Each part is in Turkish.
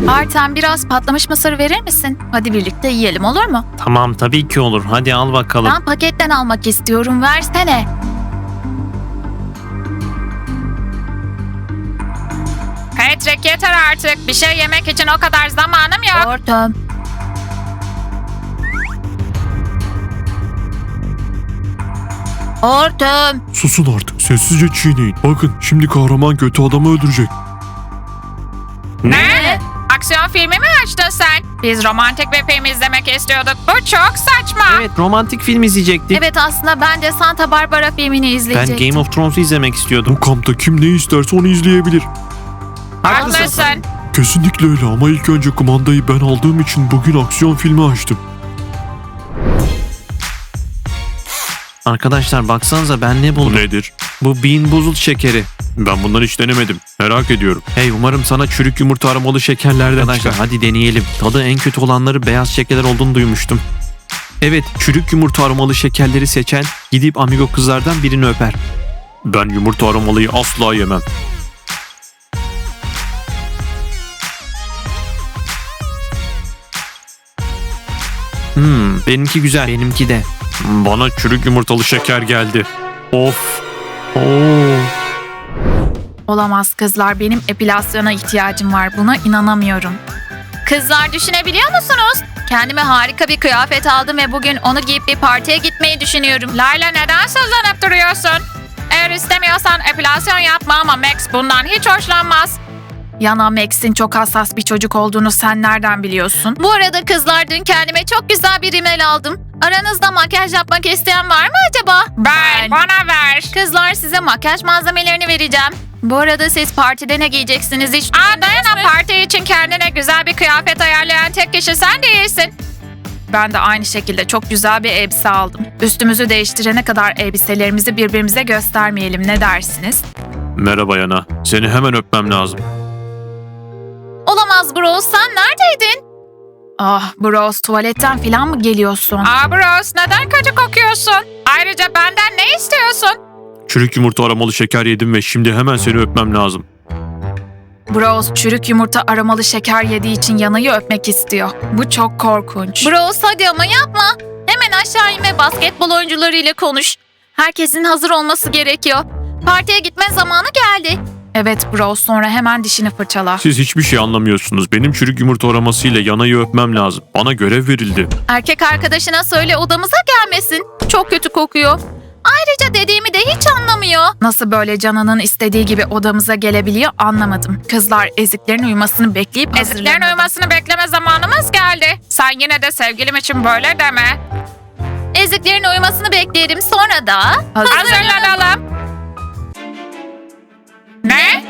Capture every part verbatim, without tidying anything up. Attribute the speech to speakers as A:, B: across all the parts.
A: Artem biraz patlamış mısır verir misin? Hadi birlikte yiyelim, olur mu?
B: Tamam, tabii ki olur. Hadi al bakalım.
A: Ben paketten almak istiyorum, versene.
C: Patrick yeter artık. Bir şey yemek için o kadar zamanım yok.
A: Artem. Artem.
D: Susun artık, sessizce çiğneyin. Bakın, şimdi kahraman kötü adamı öldürecek.
C: Ne? Aksiyon filmi mi açtın sen? Biz romantik bir film izlemek istiyorduk. Bu çok saçma.
B: Evet, romantik film izleyecektik.
A: Evet, aslında ben de Santa Barbara filmini
B: Ben
A: izleyecektim.
B: Game of Thrones'u izlemek istiyordum.
D: Bu kampta kim ne isterse onu izleyebilir.
C: Haklısın.
D: Kesinlikle öyle ama ilk önce kumandayı ben aldığım için bugün aksiyon filmi açtım.
B: Arkadaşlar baksanıza ben ne
D: Bu
B: buldum.
D: nedir?
B: Bu Bean Boozled şekeri.
D: Ben bunları hiç denemedim. Merak ediyorum.
B: Hey, umarım sana çürük yumurta aromalı şekerlerden Arkadaşlar
D: çıkar.
B: hadi deneyelim. Tadı en kötü olanları beyaz şekerler olduğunu duymuştum. Evet, çürük yumurta aromalı şekerleri seçen gidip amigo kızlardan birini öper.
D: Ben yumurta aromalıyı asla yemem.
B: Hmm, benimki güzel. Benimki de.
D: Bana çürük yumurtalı şeker geldi. Of.
B: Oo.
A: Olamaz kızlar, benim epilasyona ihtiyacım var, buna inanamıyorum. Kızlar, düşünebiliyor musunuz? Kendime harika bir kıyafet aldım ve bugün onu giyip bir partiye gitmeyi düşünüyorum.
C: Layla, neden sözlenip duruyorsun? Eğer istemiyorsan epilasyon yapma ama Max bundan hiç hoşlanmaz.
A: Yana, Max'in çok hassas bir çocuk olduğunu sen nereden biliyorsun? Bu arada kızlar, dün kendime çok güzel bir rimel aldım. Aranızda makyaj yapmak isteyen var mı acaba?
C: Ben, bana ver.
A: Kızlar, size makyaj malzemelerini vereceğim. Bu arada siz partide ne giyeceksiniz hiç
C: Aa,
A: düşündünüz
C: Dayana,
A: mü?
C: parti için kendine güzel bir kıyafet ayarlayan tek kişi sen değilsin.
A: Ben de aynı şekilde çok güzel bir elbise aldım. Üstümüzü değiştirene kadar elbiselerimizi birbirimize göstermeyelim, ne dersiniz?
D: Merhaba Yana. Seni hemen öpmem lazım.
A: Olamaz bros, sen neredeydin? Ah bros, tuvaletten falan mı geliyorsun?
C: Aa Bros, neden kötü kokuyorsun? Ayrıca benden ne istiyorsun?
D: Çürük yumurta aromalı şeker yedim ve şimdi hemen seni öpmem lazım.
A: Bros, çürük yumurta aromalı şeker yediği için Yana'yı öpmek istiyor. Bu çok korkunç. Bros, hadi ama yapma. Hemen aşağı in ve basketbol oyuncularıyla konuş. Herkesin hazır olması gerekiyor. Partiye gitme zamanı geldi. Evet bros, sonra hemen dişini fırçala.
D: Siz hiçbir şey anlamıyorsunuz. Benim çürük yumurta aromasıyla Yana'yı öpmem lazım. Bana görev verildi.
A: Erkek arkadaşına söyle odamıza gelmesin. Çok kötü kokuyor. Ayrıca dediğimi de hiç anlamıyor. Nasıl böyle canının istediği gibi odamıza gelebiliyor anlamadım. Kızlar, eziklerin uyumasını bekleyip
C: Eziklerin
A: hazırlanalım.
C: uyumasını bekleme zamanımız geldi. Sen yine de sevgilim için böyle deme.
A: Eziklerin uyumasını bekleyelim, sonra da
C: Hazırlanalım. Ne?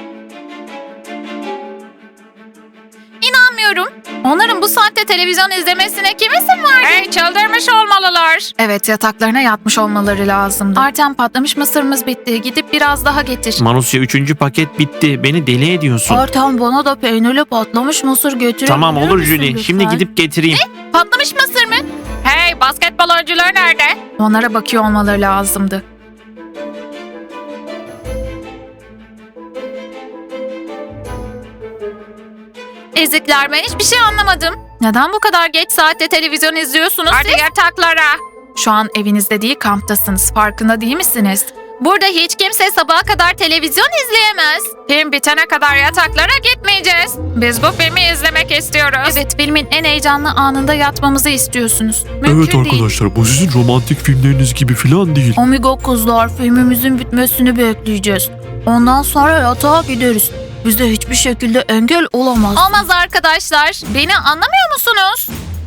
A: İnanmıyorum. Onların bu saatte televizyon izlemesine kim izin verdi?
C: Hey, çıldırmış olmalılar.
A: Evet, yataklarına yatmış olmaları lazımdı. Artem, patlamış mısırımız bitti. Gidip biraz daha getir.
B: Manusya, üçüncü paket bitti. Beni deli ediyorsun.
A: Artem, bana da peynirli patlamış mısır götürebilir
B: Tamam olur
A: misin
B: Julie.
A: lütfen?
B: Şimdi gidip getireyim.
A: Patlamış mısır mı?
C: Hey, basketbol oyuncuları nerede?
A: Onlara bakıyor olmaları lazımdı. Ezikler, ben hiçbir şey anlamadım. Neden bu kadar geç saatte televizyon izliyorsunuz
C: Hadi
A: siz?
C: yataklara.
A: Şu an evinizde değil, kamptasınız. Farkında değil misiniz? Burada hiç kimse sabaha kadar televizyon izleyemez.
C: Film bitene kadar yataklara gitmeyeceğiz. Biz bu filmi izlemek istiyoruz.
A: Evet, filmin en heyecanlı anında yatmamızı istiyorsunuz. Mümkün
D: Evet
A: değil.
D: arkadaşlar, bu sizin romantik filmleriniz gibi falan değil.
A: Amigo kızlar, filmimizin bitmesini bekleyeceğiz. Ondan sonra yatağa gideriz. Bize hiçbir şekilde engel olamaz. Olmaz arkadaşlar. Beni anlamıyor musunuz?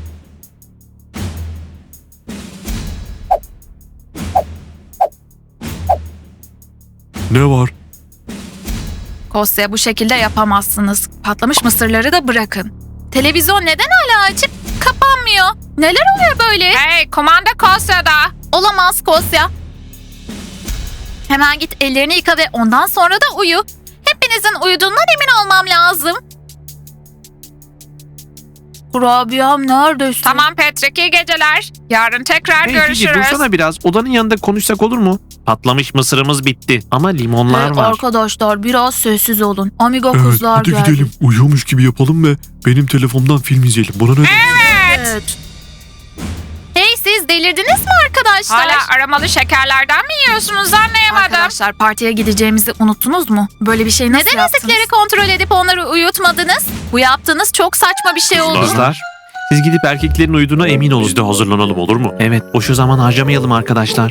D: Ne var?
A: Kosya, bu şekilde yapamazsınız. Patlamış mısırları da bırakın. Televizyon neden hala açık? Kapanmıyor. Neler oluyor böyle?
C: Hey, kumanda Kosya'da.
A: Olamaz Kosya. Hemen git ellerini yıka ve ondan sonra da uyu. Hepinizin uyuduğundan emin olmam lazım. Kurabiyem neredesin?
C: Tamam Patrick, iyi geceler. Yarın tekrar
B: Hey Julie,
C: görüşürüz.
B: dursana biraz. Odanın yanında konuşsak olur mu? patlamış mısırımız bitti. Ama limonlar
A: Hey
B: var.
A: arkadaşlar biraz sessiz olun. Amigo
E: Evet,
A: kızlar
E: hadi
A: geldi.
E: gidelim. Uyuyormuş gibi yapalım ve benim telefondan film izleyelim. Buna ne?
A: Evet. Hey siz delirdiniz mi arkadaşlar?
C: Hala aramalı şekerlerden mi yiyorsunuz anlayamadım.
A: Arkadaşlar partiye gideceğimizi unuttunuz mu? Böyle bir şey nasıl
C: Neden
A: yaptınız?
C: ezikleri
A: kontrol edip onları uyutmadınız? Bu yaptığınız çok saçma bir şey oldu.
B: Kızlar, siz gidip erkeklerin uyuduğuna emin olun.
D: Biz de hazırlanalım olur mu?
B: Evet, boşu zaman harcamayalım arkadaşlar.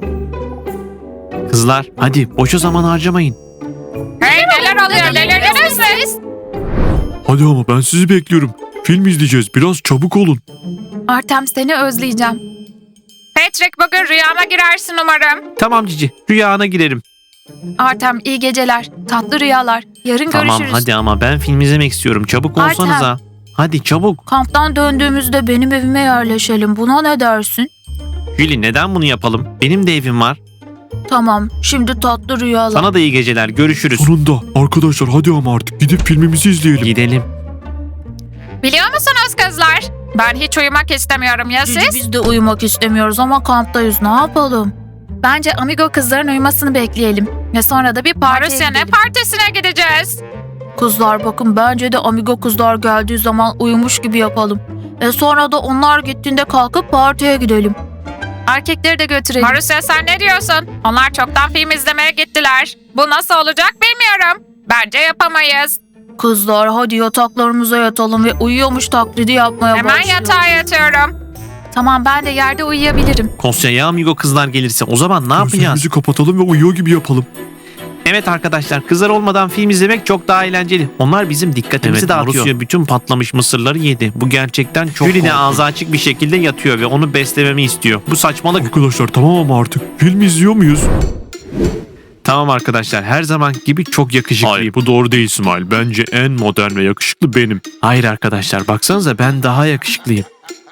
B: Kızlar, hadi boşu zaman harcamayın.
C: Hey neler oluyor delirdiniz mi?
E: Hadi ama ben sizi bekliyorum. Film izleyeceğiz. Biraz çabuk olun.
A: Artem seni özleyeceğim.
C: Patrick bugün rüyama girersin umarım.
B: Tamam Cici, rüyana girerim.
A: Artem iyi geceler. Tatlı rüyalar. Yarın
B: Tamam
A: görüşürüz.
B: hadi ama ben film izlemek istiyorum. Çabuk
A: Artem.
B: olsanıza. Hadi çabuk.
A: Kamptan döndüğümüzde benim evime yerleşelim. Buna ne dersin?
B: Julie neden bunu yapalım? Benim de evim var.
A: Tamam. Şimdi tatlı rüyalar.
B: Sana da iyi geceler. Görüşürüz.
E: Sonunda. Arkadaşlar hadi ama artık gidip filmimizi izleyelim.
B: Gidelim.
C: Biliyor musunuz kızlar? Ben hiç uyumak istemiyorum ya
A: Cici,
C: siz?
A: biz de uyumak istemiyoruz ama kamptayız. Ne yapalım? Bence amigo kızların uyumasını bekleyelim. Ve sonra da bir partiye
C: Marusya ne
A: gidelim.
C: partisine gideceğiz?
A: Kızlar bakın bence de amigo kızlar geldiği zaman uyumuş gibi yapalım. E sonra da onlar gittiğinde kalkıp partiye gidelim. Erkekleri de götürelim.
C: Marusya sen ne diyorsun? Onlar çoktan film izlemeye gittiler. Bu nasıl olacak bilmiyorum. Bence yapamayız.
A: Kızlar hadi yataklarımıza yatalım ve uyuyormuş taklidi yapmaya
C: Hemen
A: başlayalım.
C: yatağa yatıyorum.
A: Tamam ben de yerde uyuyabilirim.
B: Kosya ya amigo kızlar gelirse o zaman ne yapacağız?
E: Gözlerimizi kapatalım ve uyuyor gibi yapalım.
B: Evet arkadaşlar kızlar olmadan film izlemek çok daha eğlenceli. Onlar bizim dikkatimizi
D: Evet,
B: dağıtıyor.
D: Marusya
B: bütün patlamış mısırları yedi. Bu gerçekten çok Julie de ağzı açık bir şekilde yatıyor ve onu beslememi istiyor. Bu saçmalık.
E: Arkadaşlar tamam ama artık film izliyor muyuz?
B: Tamam arkadaşlar her zaman gibi çok yakışıklıyım.
D: Hayır bu doğru değil İsmail. Bence en modern ve yakışıklı benim.
B: Hayır arkadaşlar baksanıza ben daha yakışıklıyım.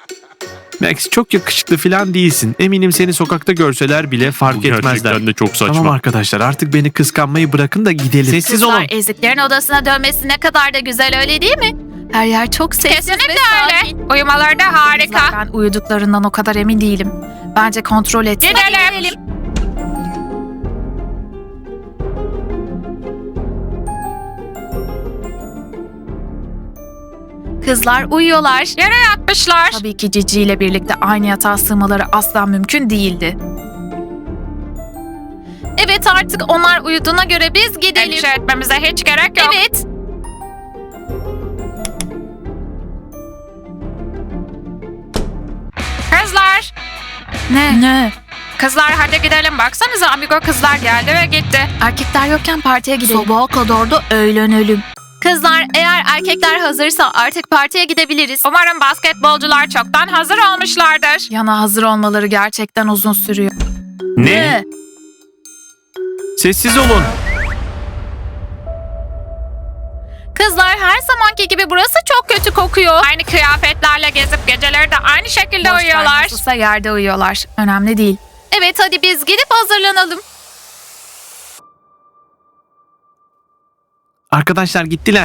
B: Max çok yakışıklı falan değilsin. Eminim seni sokakta görseler bile fark
D: Bu
B: etmezler.
D: gerçekten de çok saçma.
B: Tamam arkadaşlar artık beni kıskanmayı bırakın da gidelim. Sessiz
A: Kızlar
B: olun.
A: eziklerin odasına dönmesi ne kadar da güzel öyle değil mi? Her yer çok sessiz
C: Kesinlikle
A: ve sakin.
C: öyle. Uyumaları da harika.
A: Kızlar, ben uyuduklarından o kadar emin değilim. Bence kontrol etsin.
C: Gidelim.
A: Kızlar uyuyorlar.
C: Yere yatmışlar.
A: Tabii ki Cici ile birlikte aynı yatağa sığmaları asla mümkün değildi. Evet artık onlar uyuduğuna göre biz gidelim.
C: Endişe etmemize hiç gerek yok.
A: Evet.
C: Kızlar.
A: Ne? Ne?
C: Kızlar hadi gidelim. Baksanıza amigo kızlar geldi ve gitti.
A: Erkekler yokken partiye gidelim. Sabaha kadar da eğlenelim. Kızlar eğer erkekler hazırsa artık partiye gidebiliriz.
C: Umarım basketbolcular çoktan hazır olmuşlardır.
A: Yana hazır olmaları gerçekten uzun sürüyor.
B: Ne? Sessiz olun.
A: Kızlar her zamanki gibi burası çok kötü kokuyor.
C: Aynı kıyafetlerle gezip geceleri de aynı şekilde
A: Boş ver,
C: uyuyorlar.
A: nasılsa yerde uyuyorlar. Önemli değil. Evet hadi biz gidip hazırlanalım.
B: Arkadaşlar gittiler.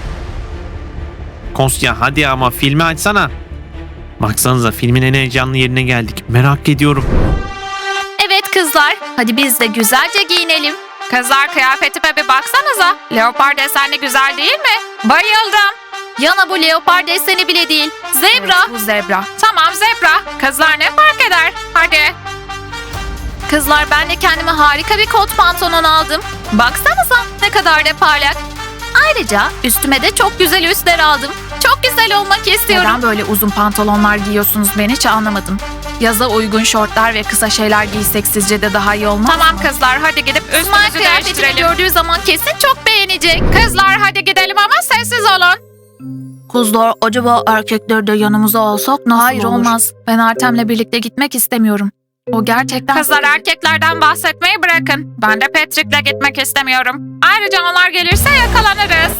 B: Kosya hadi ama filmi açsana. Baksanıza filmin en heyecanlı yerine geldik. Merak ediyorum.
A: Evet kızlar hadi biz de güzelce giyinelim.
C: Kızlar kıyafetime bir baksanıza. Leopar desenli güzel değil mi? Bayıldım.
A: Yana bu leopar deseni bile değil. Zebra. Evet, bu zebra.
C: Tamam zebra. Kızlar ne fark eder? Hadi.
A: Kızlar ben de kendime harika bir kot pantolon aldım. Baksanıza ne kadar da parlak. Ayrıca üstüme de çok güzel üstler aldım. Çok güzel olmak istiyorum. Neden böyle uzun pantolonlar giyiyorsunuz ben hiç anlamadım. Yaza uygun şortlar ve kısa şeyler giysek sizce de daha iyi olmaz
C: Tamam
A: mı?
C: kızlar hadi gidip
A: İsmail
C: üstümüzü
A: kıyafetini
C: değiştirelim.
A: gördüğü zaman kesin çok beğenecek.
C: Kızlar hadi gidelim ama sessiz olun.
A: Kızlar acaba erkekleri de yanımıza alsak nasıl
C: Hayır,
A: olur? olmaz. Ben Artem'le birlikte gitmek istemiyorum. O gerçekten...
C: Kızlar erkeklerden bahsetmeyi bırakın. Ben de Patrick'le gitmek istemiyorum. Ayrıca onlar gelirse yakalanırız.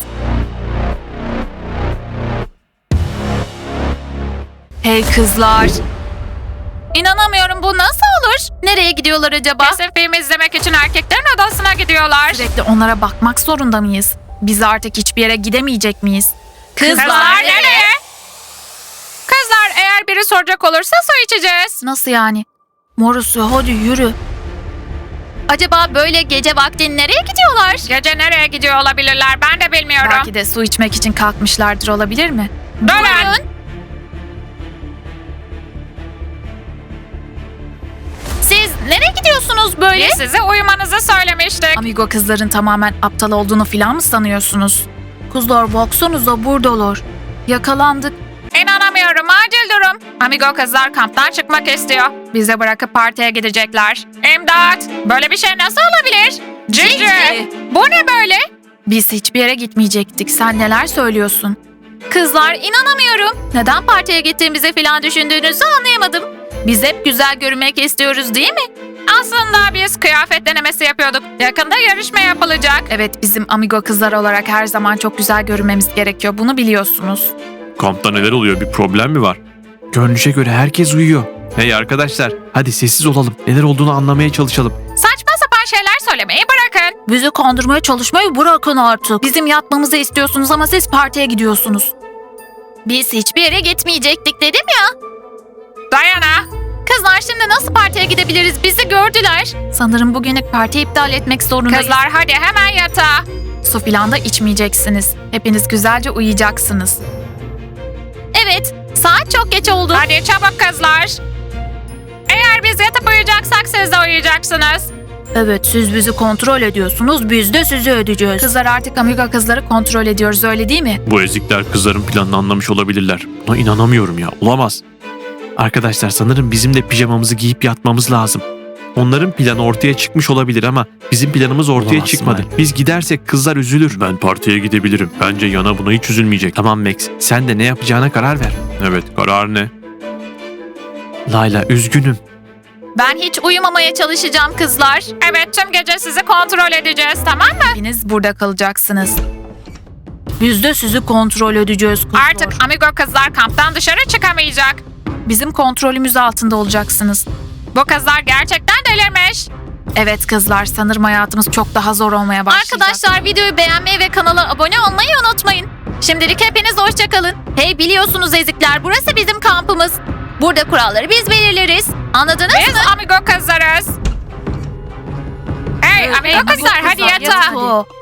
A: Hey kızlar. İnanamıyorum bu nasıl olur? Nereye gidiyorlar acaba?
C: Kesin film izlemek için erkeklerin odasına gidiyorlar.
A: Sürekli onlara bakmak zorunda mıyız? Biz artık hiçbir yere gidemeyecek miyiz?
C: Kızlar nereye? Kızlar eğer biri soracak olursa su içeceğiz.
A: Nasıl yani? Morusya hadi yürü. Acaba böyle gece vakti nereye gidiyorlar?
C: Gece nereye gidiyor olabilirler ben de bilmiyorum.
A: Belki de su içmek için kalkmışlardır, olabilir mi?
C: Durun.
A: Siz nereye gidiyorsunuz böyle?
C: Biz size uyumanızı söylemiştik.
A: Amigo kızların tamamen aptal olduğunu falan mı sanıyorsunuz? Kızlar baksanıza buradalar. Yakalandık.
C: İnanamıyorum, acil durum. Amigo kızlar kamptan çıkmak istiyor. Bizi bırakıp partiye gidecekler. İmdat! Böyle bir şey nasıl olabilir? Cici! Bu ne böyle?
A: Biz hiçbir yere gitmeyecektik. Sen neler söylüyorsun? Kızlar inanamıyorum. Neden partiye gittiğimizi falan düşündüğünüzü anlayamadım. Biz hep güzel görünmek istiyoruz değil mi?
C: Aslında biz kıyafet denemesi yapıyorduk. Yakında yarışma yapılacak.
A: Evet, bizim amigo kızlar olarak her zaman çok güzel görünmemiz gerekiyor. Bunu biliyorsunuz.
D: Kampta neler oluyor? Bir problem mi var?
B: Görünüşe göre herkes uyuyor. Hey arkadaşlar, hadi sessiz olalım. Neler olduğunu anlamaya çalışalım.
C: Saçma sapan şeyler söylemeyi bırakın.
A: Bizi kandırmaya çalışmayı bırakın artık. Bizim yatmamızı istiyorsunuz ama siz partiye gidiyorsunuz. Biz hiçbir yere gitmeyecektik dedim ya.
C: Dayana!
A: Kızlar şimdi nasıl partiye gidebiliriz? Bizi gördüler. Sanırım bugünlük partiyi iptal etmek zorundayız.
C: Kızlar hadi hemen yatağa.
A: Su filan da içmeyeceksiniz. Hepiniz güzelce uyuyacaksınız. Evet, saat çok geç oldu.
C: Hadi çabuk kızlar. Eğer biz yatıp uyuyacaksak siz de uyuyacaksınız.
A: Evet, siz bizi kontrol ediyorsunuz, biz de sizi ödeyeceğiz. Kızlar artık amigo kızları kontrol ediyoruz, öyle değil mi?
D: Bu ezikler kızların planını anlamış olabilirler. Buna inanamıyorum ya. Olamaz.
B: Arkadaşlar sanırım bizim de pijamamızı giyip yatmamız lazım. Onların planı ortaya çıkmış olabilir ama bizim planımız ortaya
D: Olamaz
B: çıkmadı.
D: İsmail.
B: Biz gidersek kızlar üzülür.
D: Ben partiye gidebilirim. Bence Yana buna hiç üzülmeyecek.
B: Tamam Max, sen de ne yapacağına karar ver.
D: Evet, karar ne?
B: Layla, üzgünüm.
A: Ben hiç uyumamaya çalışacağım kızlar.
C: Evet, tüm gece sizi kontrol edeceğiz, tamam mı?
A: Hepiniz burada kalacaksınız. Biz de sizi kontrol edeceğiz kızlar.
C: Artık amigo kızlar kamptan dışarı çıkamayacak.
A: bizim kontrolümüz altında olacaksınız.
C: Bu kızlar gerçekten delirmiş.
A: Evet kızlar, sanırım hayatımız çok daha zor olmaya başlayacak. Arkadaşlar videoyu beğenmeyi ve kanala abone olmayı unutmayın. Şimdilik hepiniz hoşça kalın. Hey, biliyorsunuz ezikler, burası bizim kampımız. Burada kuralları biz belirleriz. Anladınız
C: Biz
A: mı?
C: amigo kızlarız. Hey amigo kızlar hadi yatağa.
A: Yatağa.